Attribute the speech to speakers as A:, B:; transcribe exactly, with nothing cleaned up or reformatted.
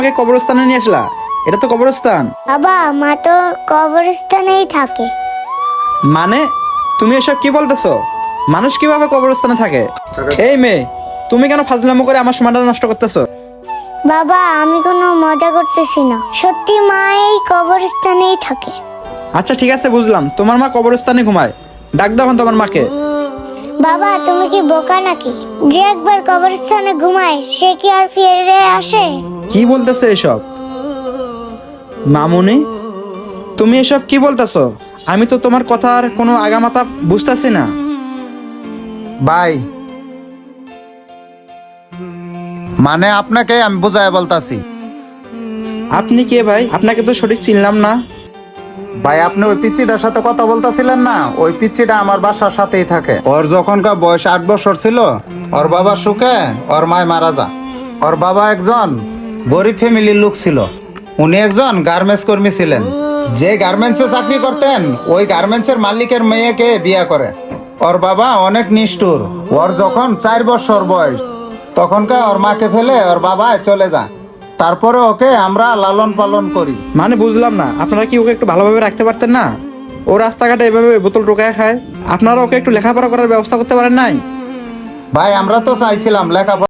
A: আমাকে কবরস্থানে নিয়ে আসলা? এটা তো কবরস্থান।
B: বাবা, মা তো কবরস্থানেই থাকে।
A: মানে তুমি এসব কি বলতেছো? মানুষ কিভাবে কবরস্থানে থাকে? এই মেয়ে, তুমি কেন ফাজলামো করে আমার সময়টা নষ্ট করতেছো?
B: বাবা, আমি কোনো মজা করতেছি না, সত্যি মা এই কবরস্থানেই থাকে।
A: আচ্ছা ঠিক আছে, বুঝলাম তোমার মা কবরস্থানে ঘুমায়। ডাক দাও এখন তোমার মাকে।
B: বাবা, তুমি কি বোকা নাকি? যে একবার কবরস্থানে ঘুমায় সে কি আর ফিরে আসে?
A: কি বলতেছে এসব? মামুনি, তুমি এসব কি বলতেছো? আমি তো তোমার কথার কোনো আগামাথা বুঝতেছি না।
C: ভাই, মানে আপনাকে আমি বুঝায় বলতাছি।
A: আপনি কে ভাই? আপনাকে তো সঠিক চিনলাম না।
C: ভাই, আপনি ওই পিচ্চিটার সাথে কথা বলতাছিলেন না? ওই পিচ্চিটা আমার বাসার সাথেই থাকে। ওর যখনকার বয়স আট বছর ছিল, ওর বাবা সুখে ওর মায় মারা যা। ওর বাবা একজন গরিব ফ্যামিলির লোক ছিল। উনি একজন গার্মেন্টস কর্মী ছিলেন। যে গার্মেন্টসে চাকরি করতেন ওই গার্মেন্টসের মালিকের মেয়েকে বিয়ে করে। ওর বাবা অনেক নিষ্ঠুর। ওর যখন চার বছর বয়স তখনকার ওর মাকে ফেলে ওর বাবা চলে যায়। তারপরে ওকে আমরা লালন পালন করি।
A: মানে বুঝলাম না, আপনারা কি ওকে একটু ভালোভাবে রাখতে পারতেন না? ও রাস্তাঘাটে এভাবে বোতল টোকায় খায়, আপনারা ওকে একটু লেখাপড়া করার ব্যবস্থা করতে পারেন নাই?
C: ভাই, আমরা তো চাইছিলাম লেখাপড়া